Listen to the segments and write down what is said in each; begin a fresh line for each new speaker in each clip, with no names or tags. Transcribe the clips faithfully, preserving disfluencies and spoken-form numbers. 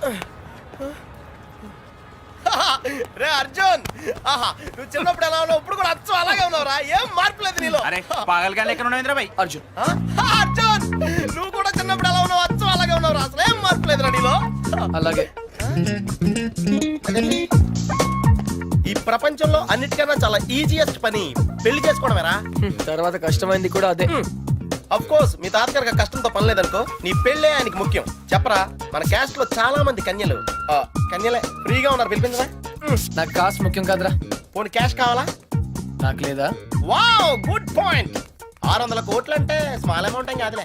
రే అర్జున్, ఆహా నువ్వు చిన్నప్పుడు ఎలా ఉన్నావు ఇప్పుడు కూడా అచ్చం అలాగే ఉన్నావురా, ఏం మార్పు లేదు నీలో.
అరే పాగలగానే ఎక్కడ ఉన్నావు ఇంద్రబాయ్?
అర్జున్
ఆ? అర్జున్ నువ్వు కూడా చిన్నప్పుడు ఎలా ఉన్నావు అచ్చం అలాగే ఉన్నావురా, అసలు ఏం మార్పు లేదురా నీలో.
అలాగే.
అదేంటి? ఈ ప్రపంచంలో అన్నిటికన్నా చాలా ఈజియెస్ట్ పని పెళ్లి చేసుకోవడమేరా.
తర్వాత కష్టమైంది కూడా అదే.
అఫ్ కోర్స్ మీ తాతగారికి కష్టంతో పని లేదనుకో, నీ పెళ్ళే ఆయనకి ముఖ్యం. చెప్పరా, మన క్యాస్ట్ లో చాలా మంది కన్యలు ఆ, కన్యలే ఫ్రీగా ఉన్నారు, పిలిపించరా.
నాకు కాస్ట్ ముఖ్యం కాదురా.
పోనీ క్యాష్ కావాలా?
నాకు లేదా?
Wow good point. ఆరు వందల కోట్లు అంటే స్మాల్ అమౌంట్ ఏం కాదులే.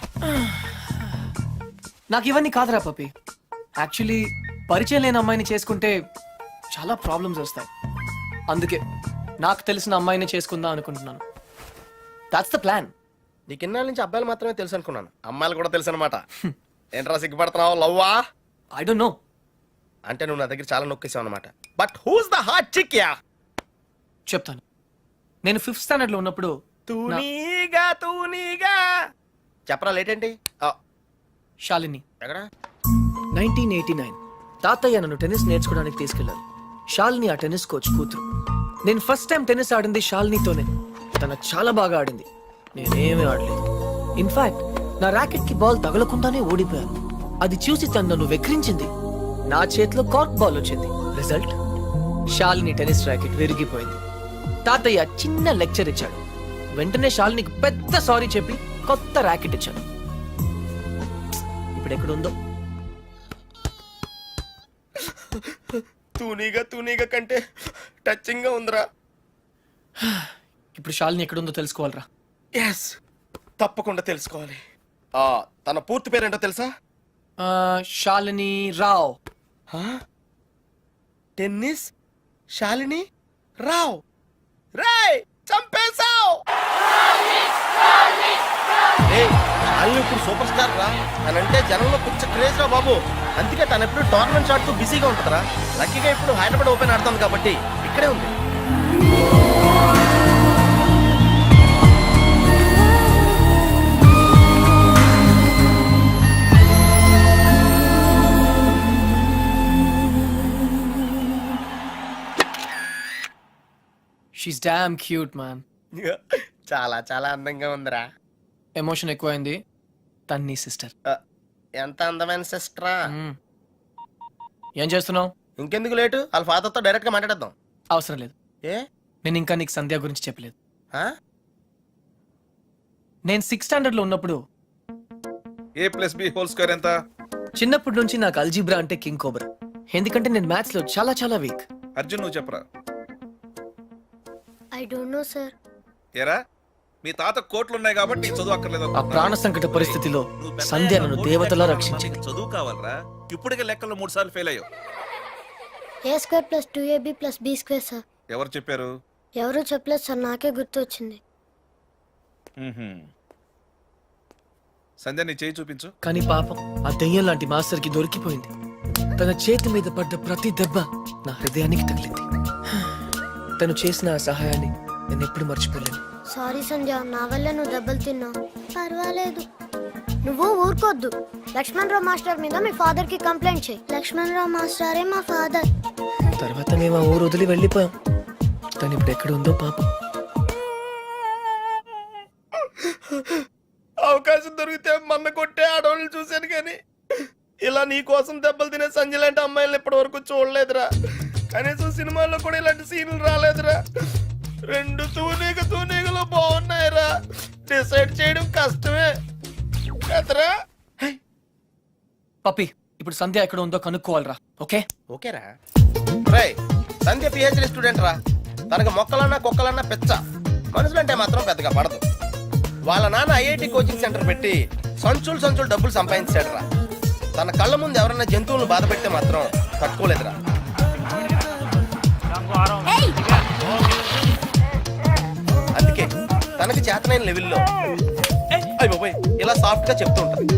నాకు ఇవన్నీ కాదురా పప్పి. యాక్చువల్లీ పరిచయం లేని అమ్మాయిని చేసుకుంటే చాలా ప్రాబ్లమ్స్ వస్తాయి. అందుకే నాకు తెలిసిన అమ్మాయిని చేసుకుందాం అనుకుంటున్నాను. That's the plan.
నీకు ఇన్నాళ్ళ నుంచి అబ్బాయిలు మాత్రమే తెలుసు అనుకున్నాను, అమ్మాయిలు కూడా తెలుసు అనమాట. ఏంట్రా సిగ్గుపడుతున్నావు, లవ్వా?
I don't know.
అంటే నువ్వు నా దగ్గర చాలా నొక్కేసావు అనమాట. But who's the hot chick yeah?
చెప్తాను. నేను ఫిఫ్త్ స్టాండర్డ్ లో ఉన్నప్పుడు నా-
తూనీగా తూనీగా చెప్పరా, లేట్ ఏంటి? ఆ,
శాలిని
ఎక్కడ?
నైన్టీన్ ఎయిటీ నైన్ తాతయ్య నన్ను టెన్నిస్ నేర్చుకోవడానికి తీసుకెళ్లారు. శాలిని ఆ టెన్నిస్ కోచ్ కూతురు. నేను ఫస్ట్ టైం టెన్నిస్ ఆడింది శాలినితోనే. తన చాలా బాగా ఆడింది, నేనేమీ ఆడలేదు. ఇన్ఫాక్ట్ నా ర్యాకెట్ కి బాల్ తగలకుండానే ఓడిపోయాను. అది చూసి తను నన్ను వెక్రించింది. నా చేతిలో కార్క్ బాల్ వచ్చింది. రిజల్ట్, శాలిని టెన్నిస్ ర్యాకెట్ విరిగిపోయింది. తాతయ్య చిన్న లెక్చర్ ఇచ్చాడు. వెంటనే శాలినికి పెద్ద సారీ చెప్పి కొత్త ర్యాకెట్ ఇచ్చాను. ఇప్పుడు ఎక్కడుందో.
తూనీగా తూనీగా కంటే టచింగ్ గా ఉందిరా.
ఇప్పుడు శాలిని ఎక్కడుందో తెలుసుకోవాలరా.
ఎస్, తప్పకుండా తెలుసుకోవాలి. ఆ తన పూర్తి పేరేంటో తెలుసా?
ఆ, శాలిని రావ్.
హా? టెన్నిస్ శాలిని రావ్. రేయ్ చంపేశావ్. ఏయ్, శాలిని ఇప్పుడు సూపర్ స్టార్ రా. తనంటే జనంలో పిచ్చ క్రేజ్ రా బాబు. అందుకే తను ఎప్పుడు టోర్నమెంట్స్ ఆడుతూ బిజీగా ఉంటుందిరా. లక్కీగా ఇప్పుడు హైదరాబాద్ ఓపెన్ ఆడుతుంది కాబట్టి ఇక్కడే ఉంది.
She's damn cute man.
చాలా చాలా అందంగా ఉందిరా.
ఎమోషన్ ఎక్కువైంది. తన్ని సిస్టర్.
ఆ, ఎంత అందమైన సిస్టరా.
ఏం చేస్తున్నావు?
ఇంకెందుకు లేటు, వాళ్ళ ఫాదర్ తో డైరెక్ట్ గా మాట్లాడేద్దాం.
అవసరం లేదు.
ఏ?
నేను ఇంకా నీకు సంధ్య గురించి చెప్పలేదు.
ఆ?
నేను సిక్స్త్ స్టాండర్డ్ లో ఉన్నప్పుడు
A plus B whole square ఎంత?
చిన్నప్పటి నుంచి నాకు అల్జీబ్రా అంటే కింగ్ కోబ్రా. ఎందుకంటే నేను మ్యాథ్స్ లో చాలా చాలా వీక్.
అర్జున్ నువ్వు చెప్పరా.
I don't know sir.
ఏరా మీ తాత కోట్లు ఉన్నాయి కాబట్టి నీకు చదువు అక్కర్లేదు.
ఆ ప్రాణ సంకట పరిస్థితిలో సంధ్య నన్ను దేవతలా రక్షించింది.
చదువు కావాలరా, ఇప్పటికే లెక్కల్లో మూడు సార్లు ఫెయిల్ అయ్యావు.
A square plus two AB plus B square sir.
ఎవరు చెప్పారు?
ఎవరు చెప్పలేదు సార్, నాకే గుర్తు వచ్చింది.
మ్మ్హ్మ్. సంధ్య నీ చేయి చూపించు.
కానీ పాపం ఆ దెయ్యం లాంటి మాస్టర్ కి దొరికిపోయింది. తన చేతి మీద పడ్డ ప్రతి దెబ్బ నా హృదయానికి తగిలింది. తను చేసిన ఆ సహాయాన్ని నేను ఎప్పుడు మర్చిపోలేను.
సారీ సంధ్య, నా వల్ల నువ్వు దెబ్బలు తిన్నావు. పర్వాలేదు, నువ్వు ఊరుకోద్దు. లక్ష్మణ్ రావు మాస్టర్ మీద మీ ఫాదర్ కి కంప్లైంట్ చేయి. లక్ష్మణ్ రావు మాస్టరే మా ఫాదర్.
తర్వాత మేము ఆ ఊరు వదిలి వెళ్ళిపోయాం. తను ఇప్పుడు ఎక్కడ ఉందో పాపం.
అవకాశం దొరికితే మన్న కొట్టే ఆడవాళ్ళని చూశాను కానీ ఇలా నీ కోసం దెబ్బలు తినే సంజయ్ లాంటి అమ్మాయిలను ఇప్పటి వరకు చూడలేదురా. కనీసం సినిమాల్లో కూడా ఇలాంటి సీన్లు రాలేదురా. రెండు తూనీగ తూనీగలు బాగున్నాయిరా. డిసైడ్ చేయడం కష్టమే కదరా.
పప్పి, ఇప్పుడు సంధ్య ఎక్కడ ఉందో కనుక్కోవాలరా. ఓకే
ఓకేరా. రై సంధ్య పిహెచ్డి స్టూడెంట్ రా. తనకు మొక్కలన్నా కుక్కలన్నా పెచ్చ. మనుషులంటే మాత్రం పెద్దగా పడదు. వాళ్ళ నాన్న ఐఐటి కోచింగ్ సెంటర్ పెట్టి సంచులు సంచులు డబ్బులు సంపాదించాడు రా. తన కళ్ళ ముందు ఎవరన్నా జంతువులను బాధ పెడితే మాత్రం తట్టుకోలేదురా. అందుకే తనకి చేతనైన లెవెల్లో అయ్య బాబోయ్ ఇలా సాఫ్ట్ గా చెప్తూ ఉంటుంది.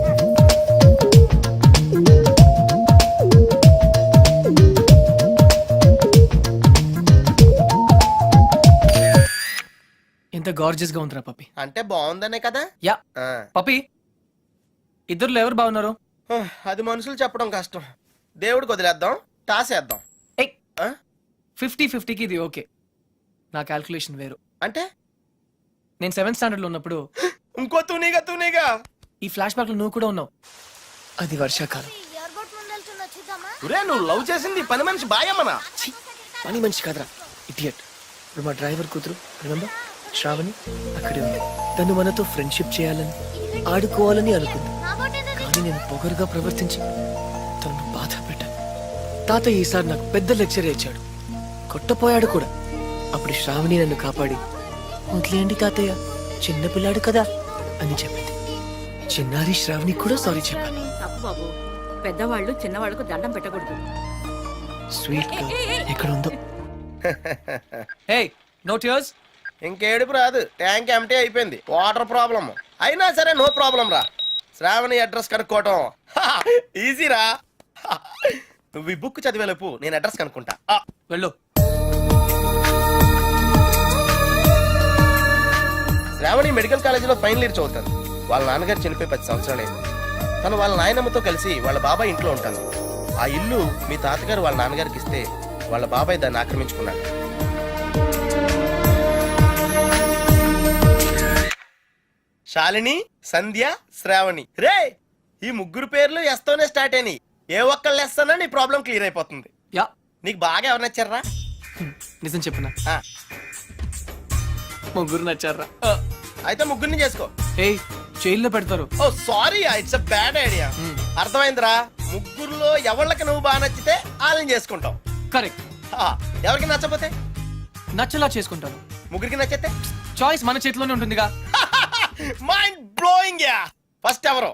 ఎంత గార్జియస్ గా ఉందిరా పప్పి.
అంటే బాగుందనే కదా.
యా
ఆ.
పప్పి, ఇద్దరులో ఎవరు బాగున్నారు?
అది మనుషులు చెప్పడం కష్టం. దేవుడికి వదిలేద్దాం, టాస్ వేద్దాం.
ఏ
ఆ?
ఫిఫ్టీ ఫిఫ్టీకి ఇది ఓకే. నా క్యాల్కులేషన్ వేరు.
అంటే
నేను సెవెంత్ స్టాండర్డ్ లో ఉన్నప్పుడు
ఇంకో తూనీగా తూనీగా
ఈ ఫ్లాష్ బ్యాక్ లో నువ్వు కూడా ఉన్నావు. అది వర్షాకాలం.
ఒరే నువ్వు లవ్ చేసింది ఈ పని మనిషి బాయమ్మనా?
ఛీ, పని మనిషి కాదురా, ఇడియట్. ఇప్పుడు మా డ్రైవర్ కూతురు రిమెంబర్ శ్రావణి అక్కడే ఉంది. తను మనతో ఫ్రెండ్షిప్ చేయాలని ఆడుకోవాలని అనుకుంది. కానీ నేను పొగరుగా ప్రవర్తించి తనను బాధ పెట్టాను. తాతయ్య ఈసారి నాకు పెద్ద లెక్చర్ ఇచ్చాడు, కొట్టపోయాడు కూడా. అప్పుడు శ్రావణి నన్ను కాపాడి వదిలేయండి తాతయ్య, చిన్నపిల్లాడు కదా అని చెప్పింది. చిన్నారి శ్రావణి కూడా సారీ చెప్పాను.
తప్పు బాబు, పెద్దవాళ్ళు చిన్నవాళ్ళకు దండం పెట్టకూడదు.
స్వీట్ గా ఎక్కడ ఉందో. Hey no tears.
ఇంకేడుపు రాదు, ట్యాంక్ ఎంటీ అయిపోయింది. వాటర్ ప్రాబ్లమ్ అయినా సరే నో ప్రాబ్లం రా. శ్రావణి అడ్రస్ కనుక్కోవటం ఈజీ రా. నువ్వు ఈ బుక్ చదివేలోపు నేను అడ్రస్ కనుక్కుంటా. ఆ,
వెళ్ళు.
శ్రావణి మెడికల్ కాలేజీలో ఫైనల్ ఇయర్ చదువుతాను. వాళ్ళ నాన్నగారు చనిపోయి పది సంవత్సరాలైంది. తను వాళ్ళ నాయనమ్మతో కలిసి వాళ్ళ బాబాయ్ ఇంట్లో ఉంటాను. ఆ ఇల్లు మీ తాతగారు వాళ్ళ నాన్నగారికి ఇస్తే వాళ్ళ బాబాయ్ దాన్ని ఆక్రమించుకున్నాడు. శాలిని, సంధ్య, శ్రావణి. రే ఈ ముగ్గురు పేర్లు ఎస్తోనే స్టార్ట్ అయినాయి. ఏ ఒక్కళ్ళు ఎస్తానో నీ ప్రాబ్లం క్లియర్ అయిపోతుంది.
యా
నీకు బాగా ఎవరు నచ్చారా?
నిజం చెప్పనా,
ఆ,
ముగ్గురు నచ్చారా?
అయితే ముగ్గురిని చేసుకో.
ఏయ్ జైల్లో పెడతారు.
Oh sorry, it's a bad idea. అర్థమైందిరా? ముగ్గురులో ఎవళ్ళకి నువ్వు బాగా నచ్చితే వాళ్ళని చేసుకుంటావు.
కరెక్ట్.
ఆ, ఎవరికి నచ్చపోతే
నచ్చలా చేసుకుంటాను.
ముగ్గురికి నచ్చితే
చాయిస్ మన చేతిలోనే ఉంటుందిగా.
Mind blowing yeah. ఫస్ట్ ఎవరు?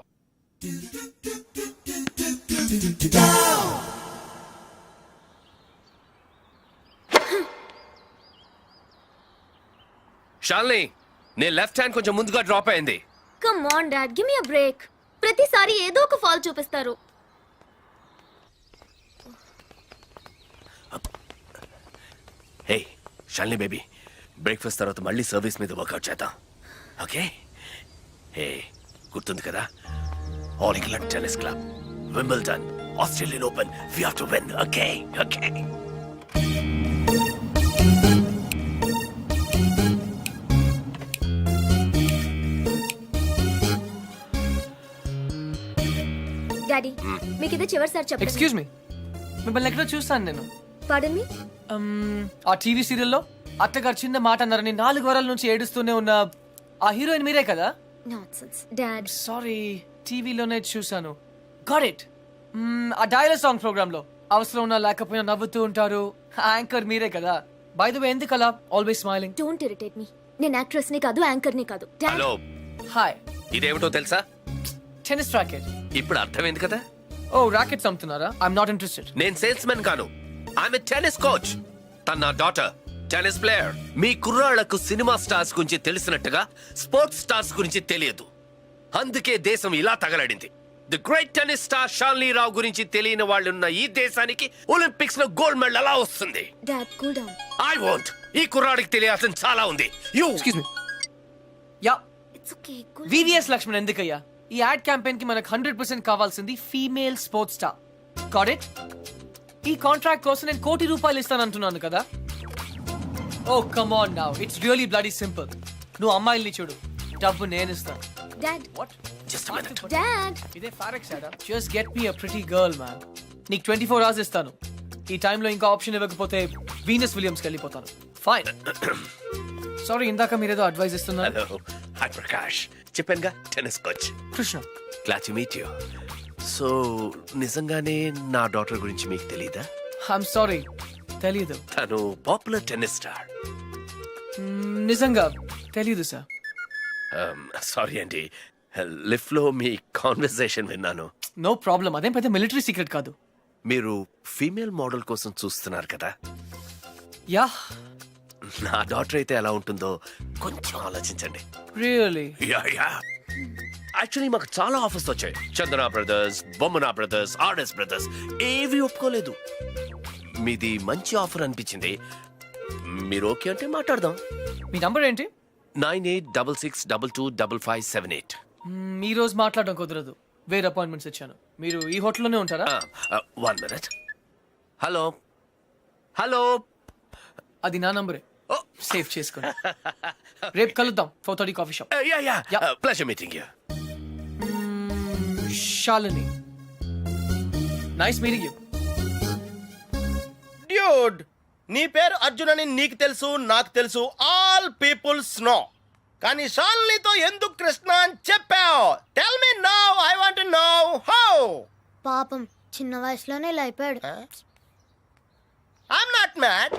షాల్ని, నీ లెఫ్ట్ హ్యాండ్ కొంచెం ముందుగా డ్రాప్ అయింది.
Come on dad, give me a break. ప్రతిసారి ఏదో ఒక ఫాల్ చూపిస్తారు.
హే షాల్ని బేబీ, బ్రేక్ఫాస్ట్ తర్వాత మళ్ళీ సర్వీస్ మీద వర్కౌట్ చేద్దాం, ఓకే? హే గుర్తుంది కదా, all England tennis club, Wimbledon, Australian open, we have to win, okay? Okay.
Daddy మీకు ఇదే చివరిసారి చెప్పండి.
ఎక్స్క్యూజ్ మీ, మిమ్మల్ని ఎక్కడో చూస్తాను నేను.
పాడన్ మీ.
Um, ఆ టీవీ సీరియల్లో అత్తగారు చిన్న మాట అన్నారని నాలుగు వారాల నుంచి ఏడుస్తూనే ఉన్న ఆ హీరోయిన్ మీరే కదా?
Nonsense dad.
సారీ, టీవీలోనే చూసాను. Got it. ఆ డైలాగ్ సాంగ్ ప్రోగ్రామ్ లో అవసరం ఉన్నా లేకపోయినా నవ్వుతూ ఉంటారు. యాంకర్ మీరే కదా? బై ద వే, ఎందుకు అలా always smiling?
Don't irritate me. నేను యాక్ట్రెస్ ని కాదు, యాంకర్ ని కాదు. డాడ్.
Hello,
hi.
ఇదేమిటో తెలుసా?
Tennis racket.
ఇప్పుడు అర్థమైంది కదా?
ఓ రాకెట్స్ అమ్ముతున్నారా? I'm not interested.
నేను సేల్స్ మెన్ కాను, ఐఎమ్ ఎ టెన్నిస్ కోచ్. తన నా డాటర్ టెన్నిస్ ప్లేయర్. మీ కుర్రాళ్లకు సినిమా స్టార్స్ గురించి తెలిసినట్టుగా స్పోర్ట్స్ స్టార్స్ గురించి తెలియదు. అందుకే దేశం ఇలా తగలడింది. The great tennis star Shalini Rao గురించి తెలియని వాళ్ళున్న ఈ దేశానికి ఒలింపిక్స్ లో గోల్డ్ మెడల్ ఎలా వస్తుంది?
Dad cool down.
I want. ఈ కుర్రాడికి తెలియాల్సిన చాలా ఉంది. You
excuse me. Yeah,
it's okay. Cool.
VVS Laxman ఎందుకయ్యా? ఈ యాడ్ క్యాంపెయిన్ కి మనకు హండ్రెడ్ పర్సెంట్ కావాల్సింది female sports star. Got it? ఈ కాంట్రాక్ట్ కోసం నేను కోటి రూపాయలు ఇస్తానంటున్నాను కదా. Oh come on now, it's really bloody simple. నువ్వు అమ్మాయిల్ని చూడు, డబ్బు నేను ఇస్తాను.
Dad.
What?
Just minute.
Dad.
ఇదే ఫారెక్స్ యాడా? జస్ట్ గెట్ మీ అ ప్రిటీ గర్ల్ మ్యాన్. నీకు ట్వంటీ ఫోర్ అవర్స్ ఇస్తాను. ఈ టైంలో ఇంకా ఆప్షన్ ఇవ్వకపోతే వీనస్ విలియమ్స్కి వెళ్ళిపోతాను. ఫైన్. సారీ, ఇందాక మీరేదో అడ్వైస్ ఇస్తున్నారు.
Hello, hi Prakash. చెప్పానుగా, tennis coach.
Krishna.
Glad to meet you. So నిజంగానే నా డాటర్ గురించి మీకు తెలీదా?
ఐఎమ్ సారీ, తెలీదు.
తను పాపులర్ టెన్నిస్ స్టార్.
మ్మ్, నిజంగా తెలీదు సార్.
సారీ అండి, లిఫ్ట్ లో మీ కాన్వర్సేషన్ విన్నాను.
నో ప్రాబ్లం, అదేం పెద్ద మిలిటరీ సీక్రెట్ కాదు.
మీరు ఫీమేల్ మోడల్ కోసం చూస్తున్నారు కదా?
యా.
నా డాటర్ అయితే ఎలా ఉంటుందో కొంచెం ఆలోచించండి.
రియల్లీ?
యా యా యాక్చువల్లీ మాకు చాలా ఆఫర్స్ వచ్చాయి. Chandana brothers, Bommana brothers, RS brothers ఏవి ఒప్పుకోలేదు. మీది మంచి ఆఫర్ అనిపించింది. మీరు ఓకే అంటే మాట్లాడదాం.
మీ నంబర్ ఏంటి?
Nine eight double six double two double five seven eight.
Hmm, ఈ రోజు మాట్లాడడం కుదరదు. వేరే అపాయింట్మెంట్స్ ఇచ్చాను. మీరు ఈ హోటల్లోనే ఉంటారా?
One minute. Hello hello.
అది నా నంబరే. సేవ్ చేసుకోండి. రేపు కలుద్దాం four thirty coffee shop.
Yeah yeah
Yeah.
Pleasure meeting you.
Shalini, nice meeting you.
Dude, నీ పేరు అర్జున్ అని నీకు తెలుసు, నాకు తెలుసు, ఆల్ పీపుల్స్ నో. కానీ షాలినితో ఎందుకు కృష్ణ అని చెప్పావు? Tell me now, I want to know how.
పాపం చిన్న వయసులోనే ఇలా అయిపోయాడు.
I'm not mad.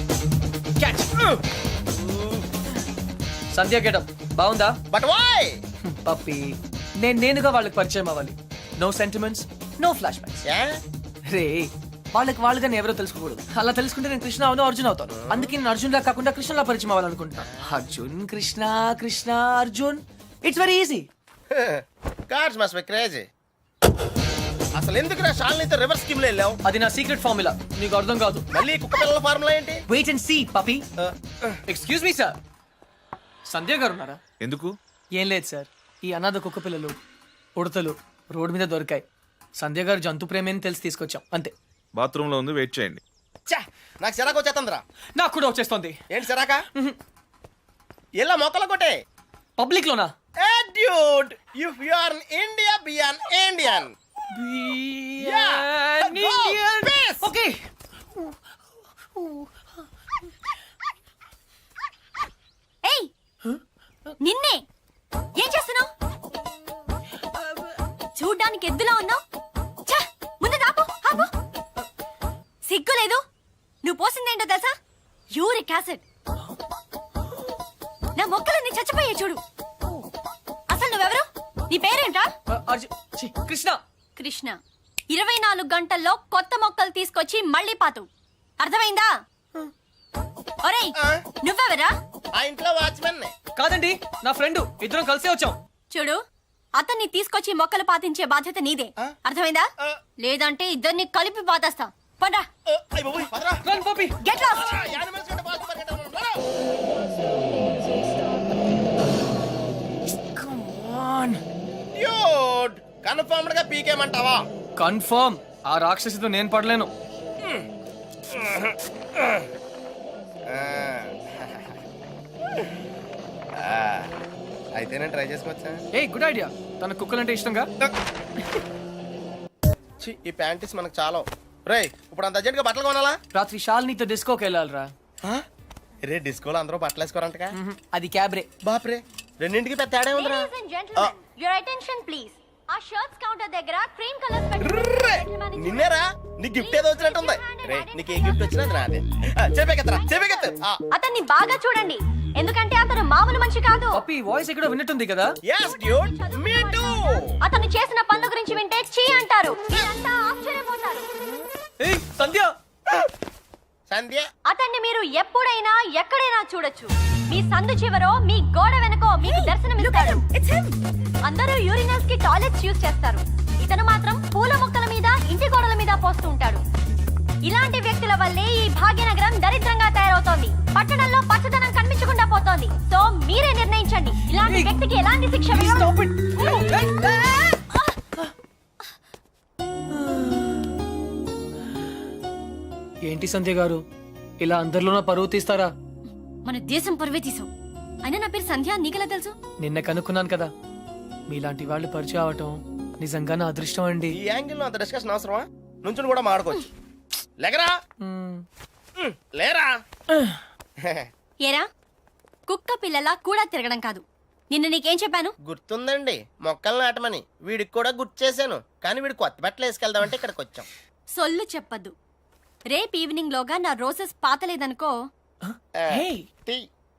Sandhya getup బాగుందా?
But why?
పప్పి, నేను నేనుగా వాళ్ళకి పరిచయం అవ్వాలి. No sentiments, no flashbacks. రే, వాళ్ళకి వాళ్ళుగా నేను ఎవరో తెలుసుకోకూడదు. అలా తెలుసుకుంటే నేను కృష్ణ అవును, అర్జున్ అవుతాను. అందుకే నేను అర్జున్ లా కాకుండా కృష్ణలా పరిచయం అవ్వాలనుకుంటున్నా. Arjun Krishna, Krishna Arjun, it's very easy.
Cards must be crazy. అసలు ఎందుకు నా షాలినితో రివర్స్ స్కీమ్ లో వెళ్ళావు?
అది నా సీక్రెట్ ఫార్ములా, నీకు అర్థం కాదు.
మళ్ళీ కుక్క పిల్లల ఫార్ములా ఏంటి?
Wait and see puppy. Excuse me sir, Sandhya గారు ఉన్నారా?
ఎందుకు?
ఏం లేదు సార్, ఈ అనాథ కుక్క పిల్లలు ఉడతలు రోడ్డు మీద దొరికాయి. సంధ్య గారు జంతు ప్రేమని తెలిసి తీసుకొచ్చాం అంతే.
బాత్రూమ్ లో ఉంది, వెయిట్ చేయండి.
ఛా, నాకు సిరాకు వచ్చేస్తుందిరా.
నాకు కూడా వచ్చేస్తుంది.
ఏంటి సిరాక? ఇలా మొక్కలు కొట్టే
పబ్లిక్ లోనా?
Hey dude, if you are in India, be an Indian. Yeah, go, peace.
Okay.
ఏయ్, నిన్నే ఏం చేస్తున్నావు? చూడ్డానికి ఎద్దులా ఉన్నావు. ముందు ఆపు, ఆపు. సిగ్గు లేదు. నువ్వు పోసిందేంటో తెలుసా? Uric acid. నా మొక్కలన్నీ చచ్చిపోయే చూడు. అసలు నువ్వెవరు? నీ పేరేంటా?
అర్జున్, ఛీ, కృష్ణ.
కృష్ణ. ఇరవై నాలుగు గంటల్లో కొత్త మొక్కలు తీసుకొచ్చి మళ్ళీ పాతు. అర్థమైందా? ఒరేయ్, నువ్వెవరా?
ఆ ఇంట్లో వాచ్మెన్.
కాదండి, నా ఫ్రెండ్. ఇద్దరం కలిసే వచ్చాం.
చూడు, అతన్ని తీసుకొచ్చి మొక్కలు పాతించే బాధ్యత నీదే. అర్థమైందా? లేదంటే ఇద్దరిని కలిపి పాతేస్తా. పండ్రా.
Run puppy.
Get lost.
Come on.
Dude, confirmed గా పీకేమంటావా?
కన్ఫర్మ్. ఆ రాక్షసితో నేను పడలేను.
అయితే నేను ట్రై చేసుకోవచ్చా?
A good idea. తన కుక్కలంటే ఇష్టంగా.
ఛీ, ఈ ప్యాంటీస్ మనకు చాలా. రేయ్, ఇప్పుడు అంత అర్జెంట్ గా బట్టలు కొనాలా?
రాత్రి శాలినితో డిస్కోకి వెళ్ళాలిరా.
రే, డిస్కోలో అందరూ బట్టలు వేసుకోరంటగా?
అది క్యాబ్రే.
బాప్రే, రెండింటికి పెద్ద తేడా ఉందిరా.
Ladies and gentlemen, your attention please. ఆ షర్ట్స్ కౌంటర్ దగ్గర క్రీమ్ కలర్స్
ర్రే, నిన్నేరా? నీ గిఫ్ట్ ఏదో వచ్చినట్టుంది. రే, నీకు ఏ గిఫ్ట్ వచ్చినా అది నాదే. చెప్పేకెత్తరా, చెప్పేకెత్తు.
అతన్ని బాగా చూడండి, ఎందుకంటే అతను మామూలు మనిషి కాదు.
పప్పి వాయిస్ ఎక్కడో విన్నట్టుంది కదా.
yes dude, me too.
అతను చేసిన పనుల గురించి వింటే చీ అంటారు. మీరంతా ఆశ్చర్యపోతారు.
ఏయ్ సంధ్య.
సంధ్య,
అతన్ని మీరు ఎప్పుడైనా ఎక్కడైనా చూడొచ్చు. మీ సందు చివరో మీ గోడ వెనకో మీకు దర్శనమిస్తాడు. అందరూ యూరినల్స్ కి టాయిలెట్స్ యూజ్ చేస్తారు. ఇతను మాత్రం పూల మొక్కల మీద, ఇంటి గోడల మీద పోస్తూ ఉంటాడు. ఇలాంటి వ్యక్తుల వల్లే ఈ భాగ్యనగరం దరిద్రంగా తయారవుతోంది. పట్టణంలో పచ్చదనం కనిపించకుండా పోతోంది. సో మీరే నిర్ణయించండి, ఇలాంటి వ్యక్తికి ఎలాంటి శిక్ష వేయాలి.
ఏంటి సంధ్య గారు, ఇలా అందరిలోనూ పరువు తీస్తారా?
మన దేశం పరువే తీసాం. అయినా నా పేరు సంధ్య, నీకెలా తెలుసు?
నిన్న కనుక్కున్నాను కదా. మీలాంటి వాళ్ళు పరిచయం అవటం నిజంగా నా అదృష్టం అండి.
ఈ యాంగిల్ లో అంత డిస్కషన్ అవసరమా? నుంచుని కూడా మాడుకోవచ్చు. లేకరా,
మ్మ్.
లేరా.
ఏరా, కుక్క పిల్లలా కూడా తిరగడం కాదు. నిన్న నీకేం చెప్పాను?
గుర్తుందండి, మొక్కలు నాటమని. వీడికి కూడా గుర్తు చేశాను, కానీ వీడు కొత్త బట్టలు వేసుకెళ్దామంటే ఇక్కడికి వచ్చాం.
సొల్లు చెప్పద్దు. రేపు ఈవినింగ్ లోగా నా రోజెస్ పాతలేదనుకో.
Hey.
టీ.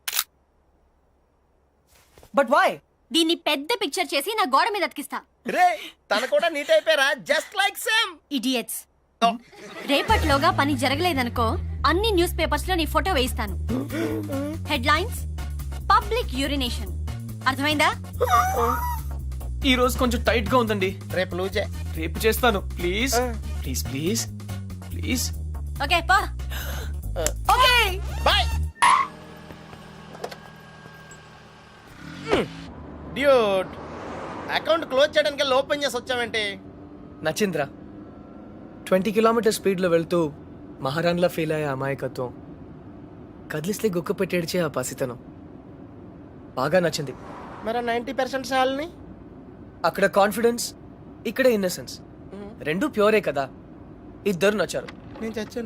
But why?
దీన్ని పెద్ద పిక్చర్ చేసి నా గోడ మీద అతికిస్తా.
రే, తన కూడా నీట్ అయిపోయారా? Just like same.
ఇడియట్స్. రేపటిలోగా పని జరగలేదనుకో, అన్ని న్యూస్ పేపర్స్ లో నీ ఫోటో వేయిస్తాను. Headlines, public urination. అర్థమైందా?
ఈ రోజు కొంచెం టైట్ గా ఉందండి.
రేపు లూజే.
రేపు చేస్తాను. Please please please please.
Okay పా. Okay
bye. Dude, account close చేయడానికి ఓపెన్ చేసి వచ్చావేంటి?
నచ్చింద్రా ట్వంటీ కిలోమీటర్ స్పీడ్లో వెళ్తూ మహారాణ్లా ఫీల్ అయ్యే అమాయకత్వం, కదిలిస్తే గుక్క పెట్టేడ్చే ఆ పసితనం బాగా నచ్చింది.
మరి నైంటీ పర్సెంట్ సాల్ని
అక్కడ కాన్ఫిడెన్స్, ఇక్కడ ఇన్నసెన్స్, రెండు ప్యూరే కదా. ఇద్దరు నచ్చారు.
నేను చచ్చాను.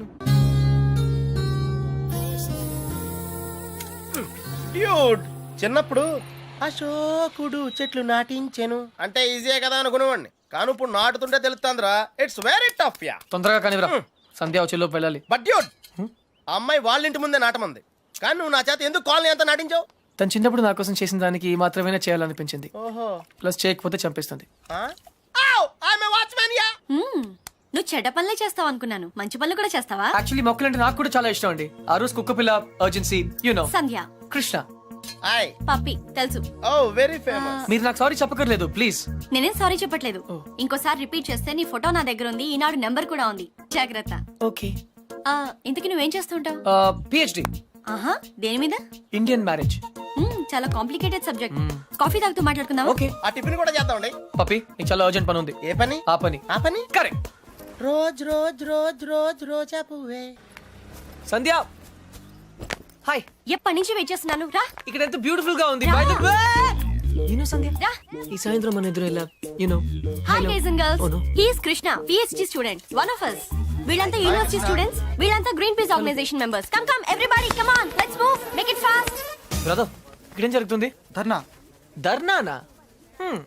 డ్యూడ్, చిన్నప్పుడు అశోకుడు చెట్లు నాటించెను అంటే ఈజీయే కదా అనుకునేవాడిని, కానీ ఇప్పుడు నాటుతుంటే తెలుస్తుందిరా, ఇట్స్ వెరీ టఫ్ యా.
తొందరగా కానివ్వరా, సంధ్య వచ్చేలోపు వెళ్ళాలి.
బట్ డ్యూడ్, ఆ అమ్మాయి వాళ్ళ ఇంటి ముందే నాటమంది, కానీ నువ్వు నా చేత ఎందుకు కాలనీ అంతా నాటించావు?
తను చిన్నప్పుడు నా కోసం చేసిన దానికి ఈ మాత్రమే చేయాలనిపించింది.
ఓహో,
ప్లస్ చేయకపోతే చంపేస్తుంది.
Watchman yeah.
మ్మ్. నువ్వు చెడ్డ పనులే చేస్తావు అనుకున్నాను, మంచి పనులు కూడా చేస్తావా?
యాక్చువల్లీ మొక్కలంటే నాకు కూడా చాలా ఇష్టం అండి. ఆ రోజు కుక్క పిల్ల, urgency, you know,
Sandhya,
Krishna.
Hi.
Puppy తెలుసు.
Oh very famous.
మీరు నాకు సారీ చెప్పకర్లేదు ప్లీజ్.
నేనేం సారీ చెప్పట్లేదు. ఇంకోసారి రిపీట్ చేస్తే నీ ఫోటో నా దగ్గర ఉంది, ఈనాడు నెంబర్ కూడా ఉంది, జాగ్రత్త.
ఓకే.
ఆ, ఇంతకీ నువ్వేం చేస్తుంటావు?
పిహెచ్డి
ఆహా, దేని మీద?
Indian marriage.
మ్మ్, చాలా కాంప్లికేటెడ్ సబ్జెక్ట్. కాఫీ తాగుతూ మాట్లాడుకుందాం.
ఓకే
ఆ టిఫిన్ కూడా చేద్దామండి.
పప్పి, నీకు చాలా అర్జెంట్ పని ఉంది.
ఏ పని?
ఆ పని.
ఆ పని
correct.
Rose rose rose rose రోజా పువ్వే.
సంధ్య హాయ్.
ఎప్పటి నుంచి వెయిట్ చేస్తున్నాను, రా.
ఇక్కడ ఎంత బ్యూటిఫుల్ గా ఉంది.
రా.
By the way you know Sandhya,
రా.
ఈ సాయంత్రం మన ఎదురు ఎలా you know.
Hi guys and girls,
Oh, no.
He is Krishna, PhD student, one of us. వీళ్ళంతా యూనివర్సిటీ స్టూడెంట్స్, వీళ్ళంతా Greenpeace organisation members. Come come everybody, come on, let's move, make it fast.
Brother, ఇక్కడేం జరుగుతుంది?
ధర్నా.
ధర్నానా? హ్మ్.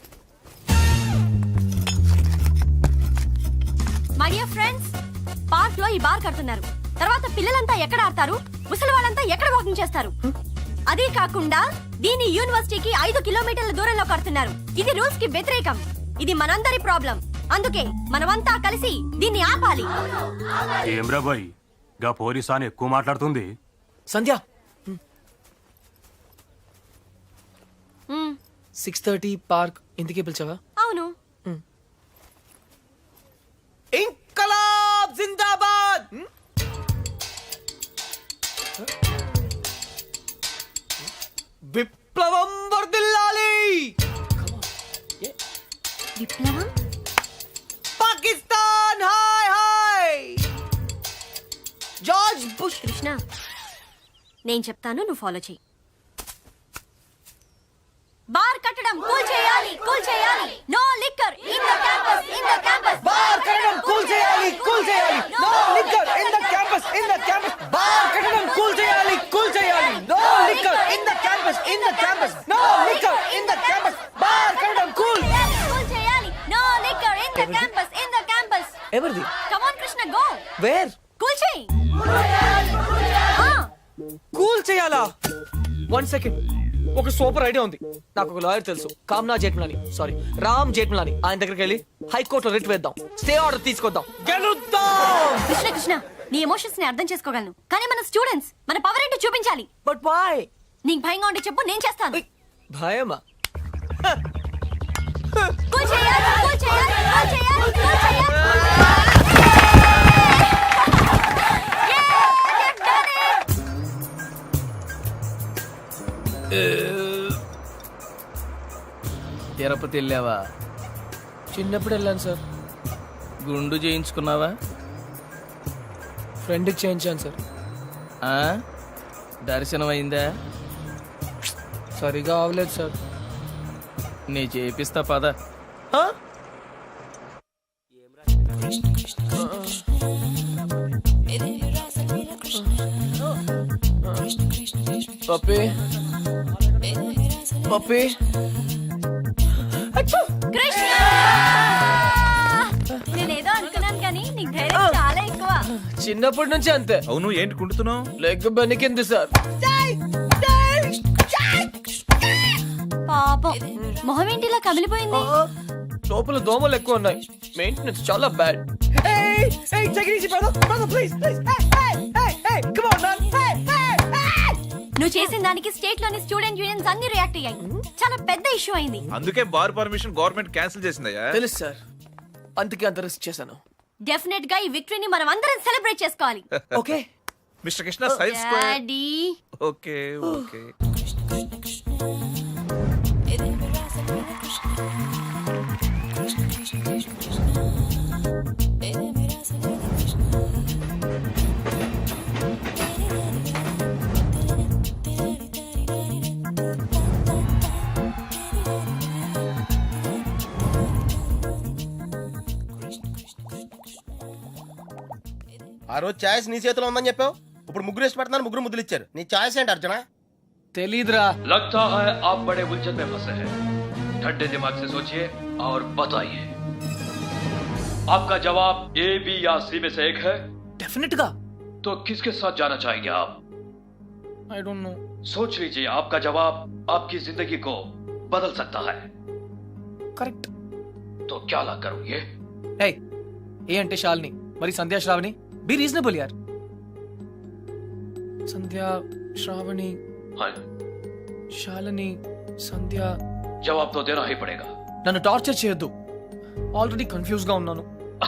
My dear friends, park లో ఈ bar కడుతున్నారు. తర్వాత పిల్లలంతా ఎక్కడ ఆడతారు, ముసలి వాళ్ళంతా ఎక్కడ వాకింగ్ చేస్తారు? అదే కాకుండా దీని యూనివర్సిటీకి ఐదు కిలోమీటర్ల దూరంలో కడుతున్నారు. ఇది రూల్స్ కి వ్యతిరేకం. ఇది మనందరి ప్రాబ్లం. అందుకే మనమంతా కలిసి దీన్ని ఆపాలి.
ఏమ్రా బాయ్, గా పోలీసాని ఎక్కువ మాట్లాడుతుంది.
సంధ్య
మ్మ్,
సిక్స్ థర్టీ పార్క్ ఇంటికి పిలిచావా?
అవును.
ఇంకలాబ్ జిందాబాద్. విప్లవం వర్ధిల్లాలి.
విప్లవం.
పాకిస్తాన్ హాయ్ హాయ్. George Bush.
కృష్ణ, నేను చెప్తాను, నువ్వు ఫాలో చెయ్యి. బార్ కట్టడం కూల్ చేయాలి, కూల్ చేయాలి. No liquor in the campus, in the campus.
Bar కట్టడం కూల్ చేయాలి, కూల్ చేయాలి. No liquor in the campus, in the campus. Bar కట్టడం కూల్ చేయాలి, కూల్ చేయాలి. No liquor in the campus, in the campus. No liquor in the campus. Bar కట్టడం cool
cool చేయాలి. No liquor in the campus, in the campus.
ఎవరిది?
Come on Krishna, go.
Where?
Cool చేయి.
Cool చేయాలా? One second, ఒక super idea ఉంది. నాకు ఒక lawyer తెలుసు, కామ్నా జేట్మలాని, సారీ రామ్ జేట్మలాని. ఆయన దగ్గరికి వెళ్ళి హైకోర్టులో రిట్ వేద్దాం, స్టే ఆర్డర్ తీసుకొద్దాం, గెలుద్దాం.
కృష్ణ కృష్ణ, నీ ఎమోషన్స్ ని అర్థం చేసుకోగలను, కానీ మన స్టూడెంట్స్, మన పవర్ ఏంటో చూపించాలి.
But why?
నీకు భయంగా ఉంటే చెప్పు, నేను చేస్తాను.
భయమా?
కూల్ చేయాలి, కూల్ చేయాలి, కూల్ చేయాలి, కూల్ చేయాలి.
తిరుపతి వెళ్ళావా?
చిన్నప్పుడు వెళ్ళాను సార్.
గుండు చేయించుకున్నావా?
ఫ్రెండ్కి చేయించాను సార్.
ఆ? దర్శనం అయిందా?
సరిగా అవలేదు సార్.
నీ చేపిస్తా పద.
ఆ? పప్పి పప్పి
కృష్ణ, నేనేదో అనుకున్నాను కానీ నీకు ధైర్యం చాలా ఎక్కువ.
చిన్నప్పటి నుంచి అంతే.
అవును, ఏంటి కుంటున్నావు?
Leg బెనికింది sir.
పాపం, మొహం ఏంటిలా కమిలిపోయింది?
లోపల దోమలు ఎక్కువ ఉన్నాయి, మెయింటెనెన్స్ చాలా బ్యాడ్.
నువ్వు చేసిన దానికి స్టేట్ లోని స్టూడెంట్ యూనియన్స్ అన్ని రియాక్ట్ అయ్యాయి. చాలా పెద్ద ఇష్యూ అయింది.
అందుకే బార్ పర్మిషన్ గవర్నమెంట్ క్యాన్సిల్ చేసిందయ్యా.
తెలుసు సార్, అందుకే అంత రిస్క్ చేశాను.
డెఫినెట్ గా ఈ విక్టరీని మనం అందరం సెలబ్రేట్ చేసుకోవాలి.
Okay
mister Krishna, science square.
Daddy,
okay okay.
ఆ రోజు ఛాయిస్ నీ చేతిలో ఉందని చెప్పావు, ఇప్పుడు ముగ్గురు ఇష్టపడుతున్నారు, ముగ్గురు ముద్దులు ఇచ్చారు. నీ ఛాయిస్ ఏంటి అర్జున?
తెలీదురా.
लगता है आप बड़े उलझन में फंसे हैं। ठंडे दिमाग से सोचिए और बताइए, आपका जवाब ए, बी या सी में से एक है,
డెఫినెట్ గా.
तो किसके साथ जाना चाहेंगे आप?
I don't know.
सोच लीजिए, आपका जवाब आपकी जिंदगी को बदल सकता है।
కరెక్ట్.
तो क्या ला करोगे?
ఏయ్, ఏ అంటే శాలిని, మరి సంధ్యా శ్రావణి. బి రీజనబుల్ యార్. సంధ్యా శ్రావణి
हाँ,
శాలిని సంధ్య.
जवाब तो देना ही पड़ेगा।
నన్ను టార్చర్ చేయొద్దు, ఆల్రెడీ కన్ఫ్యూజ్ గా ఉన్నాను.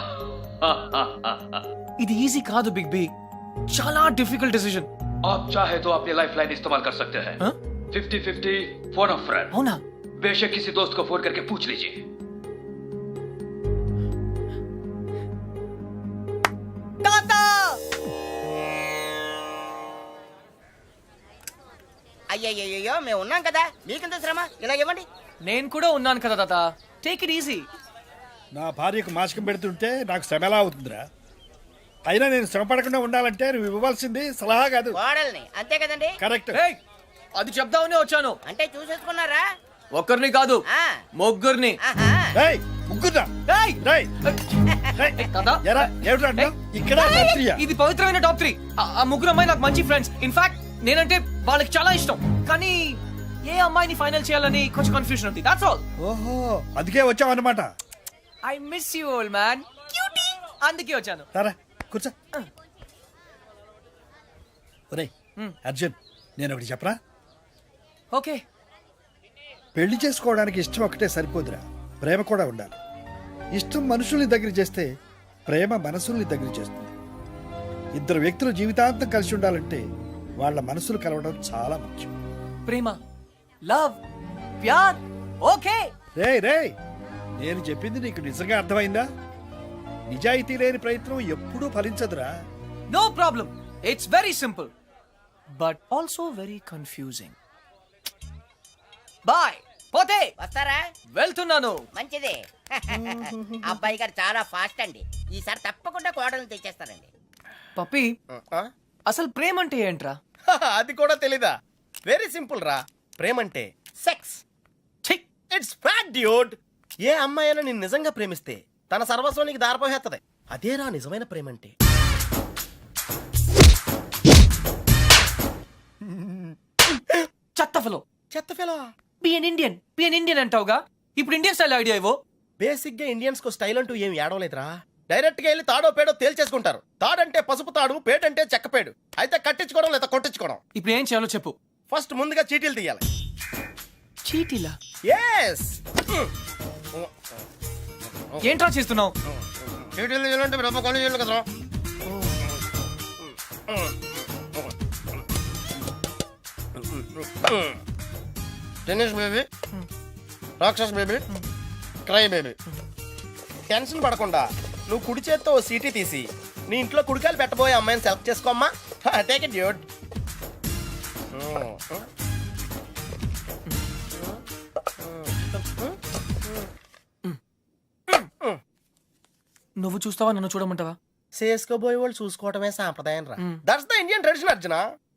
ఇది ఈజీ కాదు బిగ్ బి, చాలా డిఫికల్ట్ డిసిజన్.
आप चाहे तो अपनी लाइफ लाइन इस्तेमाल कर सकते हैं।
हाँ?
Fifty fifty phone of friend.
అవునా?
बेशक किसी दोस्त को फोन करके पूछ लीजिए।
అయ్యయ్యో మేము ఉన్నాం కదా, మీకెంత శ్రమ, ఇలా ఇవ్వండి.
నేను కూడా ఉన్నాను కదా తాత, టేక్ ఇట్ ఈజీ.
నా భార్యకు మాసికం పెడుతుంటే నాకు శ్రమ ఎలా అవుతుందిరా? అయినా నేను శ్రమ పడకుండా ఉండాలంటే నువ్వు ఇవ్వవలసింది సలహా కాదు,
కోడల్ని, అంతే కదండి?
కరెక్ట్.
ఏయ్, అది చెప్దామని వచ్చాను.
అంటే చూసేసుకున్నారా?
ఒక్కరిని కాదు,
ఆ,
ముగ్గురిని.
ఆహా.
ఏయ్, ముగ్గురా.
ఏయ్,
రేయ్, రేయ్.
తాత,
ఎరా, ఏమిటి అంటున్నావ్? ఇక్కడ రాత్రియా?
ఇది పవిత్రమైన టాప్ త్రీ. ఆ ముగ్గురు అమ్మాయి నాకు మంచి ఫ్రెండ్స్. ఇన్ఫాక్ట్ నేనంటే వాళ్ళకి చాలా ఇష్టం, కానీ ఏ అమ్మాయిని ఫైనల్ చేయాలని కొంచెం కన్ఫ్యూజన్ ఉంది. That's all.
ఓహో, అందుకే వచ్చావు అన్నమాట.
I miss you old man. అందుకే వచ్చాను.
సరే కూర్చో. ఒరేయ్ అర్జున్, నేను ఒకటి చెప్పరా?
ఓకే.
పెళ్లి చేసుకోవడానికి ఇష్టం ఒకటే సరిపోదురా, ప్రేమ కూడా ఉండాలి. ఇష్టం మనుషుల్ని దగ్గర చేస్తే ప్రేమ మనసుల్ని దగ్గర చేస్తుంది. ఇద్దరు వ్యక్తులు జీవితాంతం కలిసి ఉండాలంటే వాళ్ళ మనసులు కలవడం చాలా ముఖ్యం.
ప్రేమ, లవ్, ప్యార్. ఓకే.
రేయ్ రేయ్, నేను చెప్పింది నీకు నిజంగా అర్థమైందా? నిజాయితీ లేని ప్రయత్నం ఎప్పుడూ ఫలించదురా.
No problem. It's very simple but also very confusing. Bye. పోతే
వస్తారా?
వెళ్తున్నాను.
మంచిది. అబ్బాయి గారు చాలా ఫాస్ట్ అండి, ఈసారి తప్పకుండా కోడల్ని తెచ్చేస్తారండి.
పప్పి,
ఆ?
అసలు ప్రేమ అంటే ఏంట్రా?
అది కూడా తెలీదా? వెరీ సింపుల్ రా. ప్రేమంటే సెక్స్.
ఛీ!
It's fact dude. ఏ అమ్మాయి అయినా నిన్ను నిజంగా ప్రేమిస్తే తన సర్వస్వానికి దారిపోహేత్తది. అదేరా నిజమైన ప్రేమంటే.
చెత్త ఫెలో.
చెత్త fellow.
Be an Indian, be an Indian అంటావుగా, ఇప్పుడు ఇండియన్ స్టైల్ ఐడియా ఇవ్వు.
బేసిక్ గా ఇండియన్స్ కు స్టైల్ అంటూ ఏం ఏడవలేదురా. డైరెక్ట్ గా వెళ్ళి తాడో పేడో తేల్చేసుకుంటారు. తాడంటే పసుపు తాడు, పేడంటే చెక్క పేడు. అయితే కట్టించుకోవడం లేదా కొట్టించుకోవడం.
ఇప్పుడు ఏం చేయాలో చెప్పు.
ఫస్ట్ ముందుగా చీటీలు తీయాలి.
చీటీలా?
ఎస్.
ఏంట్రా చేస్తున్నావు?
చీటీలు తీయాలంటే బ్రహ్మ కొన్ని చేయాలి కదరా. టెన్నిస్ బేబీ, రాక్షస్ బేబీ, క్రై బేబీ. టెన్షన్ పడకుండా నువ్వు కుడి చేత్తో ఓ సీటీ తీసి నీ ఇంట్లో కుడికాయలు పెట్టబోయే అమ్మాయిని సెలెక్ట్ చేసుకోమ్మా. Take it dude.
నువ్వు చూస్తావా, నన్ను చూడమంటావా?
చేసుకోబోయే వాళ్ళు చూసుకోవటమే సాంప్రదాయం రా. That's the Indian tradition Arjuna.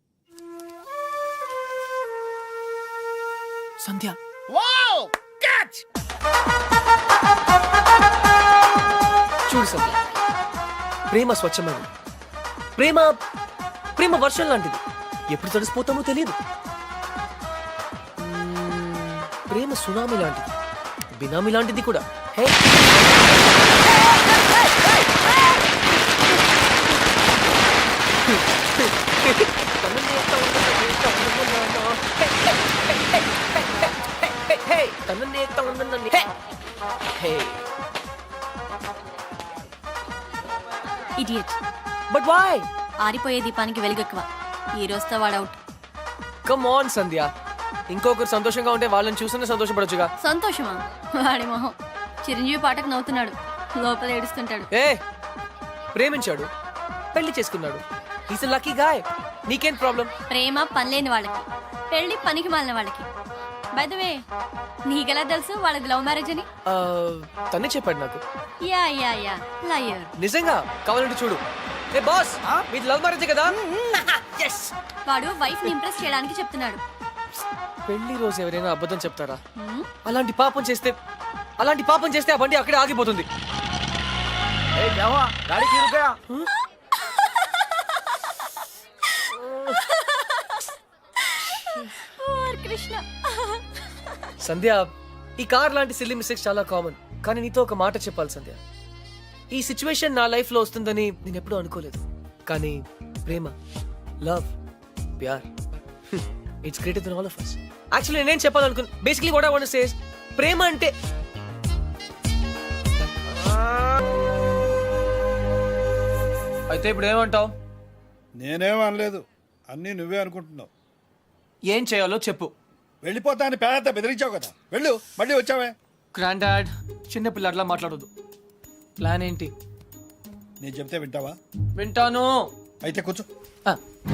Sandhya.
Wow, catch.
చూడు సంధ్య, ప్రేమ స్వచ్ఛమైనది. ప్రేమ ప్రేమ వర్షం లాంటిది, ఎప్పుడు తడిసిపోతామో తెలియదు. మ్మ్, ప్రేమ సునామీ లాంటిది, బినామీ లాంటిది కూడా. Hey,
idiot.
But why?
ఆరిపోయే దీపానికి వెలుగెక్కువ. ఈ రోజుతో వాడు అవుట్.
కమ్ ఆన్ సంధ్య, ఇంకొకరు సంతోషంగా ఉంటే వాళ్ళని చూస్తూనే సంతోషపడొచ్చుగా.
సంతోషమా? వాడి మొహం. చిరంజీవి పాటకు నవ్వుతున్నాడు, లోపల ఏడుస్తుంటాడు.
ఏ, ప్రేమించాడు, పెళ్లి చేసుకున్నాడు. Is lucky guy. నీకేం ప్రాబ్లం?
ప్రేమ పనిలేని వాళ్ళకి, పెళ్లి పనికి మాలిన వాళ్ళకి. బై ద వే, నీకెలా తెలుసు వాళ్ళది లవ్ మ్యారేజ్ అని?
తనే చెప్పాడు నాకు.
Yeah yeah yeah liar.
నిజంగా? కావాలంటే చూడు. ఏ బాస్ మీది లవ్ మ్యారేజ్ కదా?
వాడు వైఫ్ ని ఇంప్రెస్ చేయడానికి చెప్తున్నాడు.
పెళ్లి రోజు ఎవరైనా అబద్ధం చెప్తారా? అలాంటి పాపం చేస్తే అలాంటి పాపం చేస్తే ఆ బండి అక్కడే ఆగిపోతుంది.
ఓర్ కృష్ణ.
సంధ్య, ఈ కార్ లాంటి సిల్లీ మిస్టేక్స్ చాలా కామన్. కానీ నీతో ఒక మాట చెప్పాలి సంధ్య. ఈ సిచ్యువేషన్ నా లైఫ్ లో వస్తుందని నేను ఎప్పుడూ అనుకోలేదు. కానీ ప్రేమ, లవ్, ప్యార్, it's greater than all of us. Actually నేనేం చెప్పాలనుకున్నా, basically what I want to say is ప్రేమ అంటే అయితే ఇప్పుడు ఏమంటావు?
నేనేం అనలేదు, అన్నీ నువ్వే అనుకుంటున్నావు.
ఏం చేయాలో చెప్పు.
వెళ్ళిపోతా అని పేద బెదిరించావు కదా, వెళ్ళు. మళ్ళీ వచ్చావే.
గ్రాండ్ డాడ్, చిన్న పిల్లట్లా మాట్లాడొద్దు. ప్లాన్ ఏంటి?
నేను చెప్తే వింటావా?
వింటాను.
అయితే కూర్చో.
ఆ,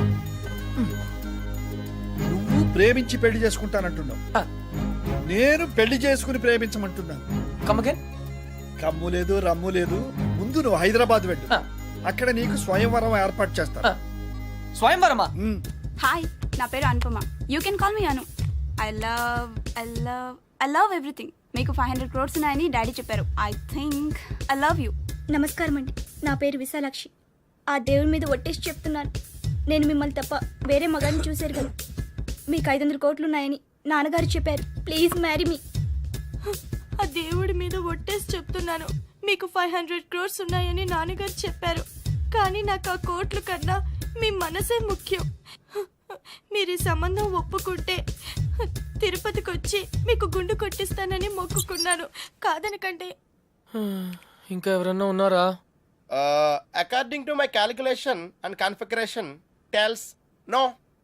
నువ్వు ప్రేమించి పెళ్లి చేసుకుంటానంటున్నావు,
ఆ,
నేను పెళ్లి చేసుకుని ప్రేమించమంటున్నాను.
come again?
కమ్ము లేదు, రమ్ము లేదు. ముందు నువ్వు హైదరాబాద్ వెళ్ళు,
ఆ,
అక్కడ నీకు స్వయంవరం ఏర్పాటు చేస్తా.
ఆ. స్వయంవరమా?
హాయ్, నా పేరు Anupama. You can call me Anu. I love I love I love everything. మీకు ఫైవ్ హండ్రెడ్ క్రోర్స్ ఉన్నాయని డాడీ చెప్పారు. I think I love you.
నమస్కారం అండి, నా పేరు విశాలాక్షి. ఆ దేవుడి మీద ఒట్టేసి చెప్తున్నాను, నేను మిమ్మల్ని తప్ప వేరే మగాన్ని చూశారు కదా. మీకు ఐదు వందల కోట్లు ఉన్నాయని నాన్నగారు చెప్పారు. Please marry me.
ఆ దేవుడి మీద ఒట్టేసి చెప్తున్నాను, మీకు ఫైవ్ హండ్రెడ్ క్రోర్స్ ఉన్నాయని నాన్నగారు చెప్పారు. కానీ నాకు ఆ కోట్లు కన్నా మీ మనసే ముఖ్యం. మీరు ఈ సంబంధం ఒప్పుకుంటే తిరుపతికి వచ్చి మీకు గుండు కొట్టిస్తానని మొక్కుకున్నాను. కాదనకంటే.
ఇంకా ఎవరన్నా ఉన్నారా?
According to my calculation and configuration tells no.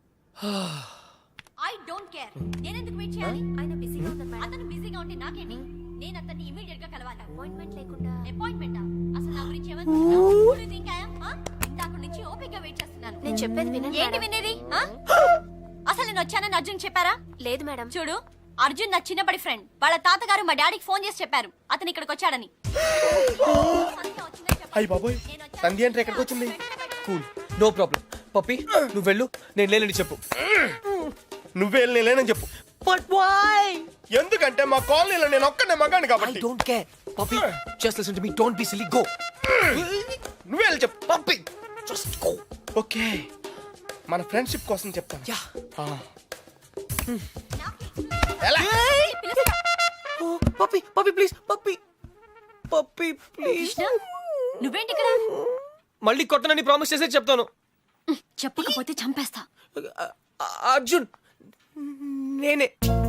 I don't care. నేను ఎందుకు వెయిట్ చేయాలి? ఆయన బిజీగా ఉన్నారు. అతను బిజీగా ఉంటే నాకేంటి? నేను అతన్ని ఇమిడియట్ గా కలవాలి. అపాయింట్మెంట్ లేకుండా. అపాయింట్మెంటా? అసలు నా గురించి ఏమనుకుంటున్నావు? ఇందాక నుంచి ఓపికగా వెయిట్ చేస్తున్నాను.
నేను చెప్పేది వినండి.
ఏంటి వినేది? ఆ? అసలు నేను వచ్చానని అర్జున్ చెప్పారా?
లేదు మేడం.
చూడు, అర్జున్ నా చిన్నప్పటి ఫ్రెండ్. వాళ్ళ తాతగారు మా డాడీకి ఫోన్ చేసి చెప్పారు అతను ఇక్కడికి వచ్చాడని.
అయ్యి బాబోయ్, సంధ్య అంటే ఎక్కడికి వచ్చింది?
Cool, no problem. పప్పి, నువ్వు వెళ్ళు, నేను లేనని చెప్పు.
నువ్వే లేనని చెప్పు.
But why?
ఎందుకంటే మా కాలనీలో నేను ఒక్కనే మగాను
ఐ
కాబట్టి.
Don't care. Puppy, just listen to me. Don't be silly. Go.
నువ్వే వెళ్ళి చెప్పు.
Puppy, just go.
ఓకే, మన ఫ్రెండ్షిప్ కోసం చెప్తాను.
యా.
ఎలా?
Puppy, puppy please. Puppy, puppy please.
Krishna, నువ్వేంటి ఇక్కడ?
మళ్ళీ కొట్టనని ప్రామిస్ చేసే చెప్తాను.
చెప్పకపోతే చంపేస్తా.
అర్జున్, నేనే